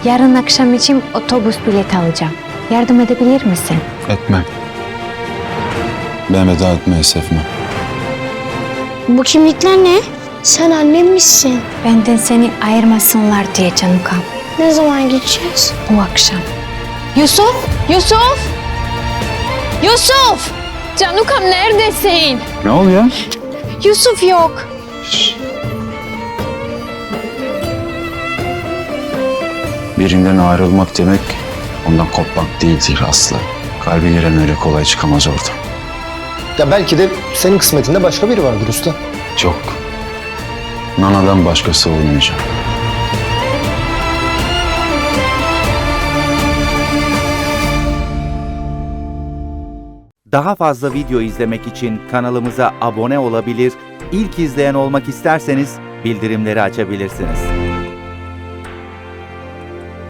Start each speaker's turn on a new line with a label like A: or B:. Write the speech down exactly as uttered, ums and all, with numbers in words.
A: Yarın akşam için otobüs bileti alacağım. Yardım edebilir misin?
B: Etmem. Ben veda etmeyi sevmem.
C: Bu kimlikler ne? Sen annem misin?
A: Benden seni ayırmasınlar diye Canukam.
C: Ne zaman gideceğiz?
A: Bu akşam. Yusuf! Yusuf! Yusuf! Canukam neredesin?
B: Ne oluyor?
A: Yusuf yok.
B: Birinden ayrılmak demek ondan kopmak değildir Aslı. Kalbi giren öyle kolay çıkamaz oradan.
D: Ya belki de senin kısmetinde başka biri vardır usta.
B: Çok. Nana'dan başkası olmayacak.
E: Daha fazla video izlemek için kanalımıza abone olabilir, ilk izleyen olmak isterseniz bildirimleri açabilirsiniz.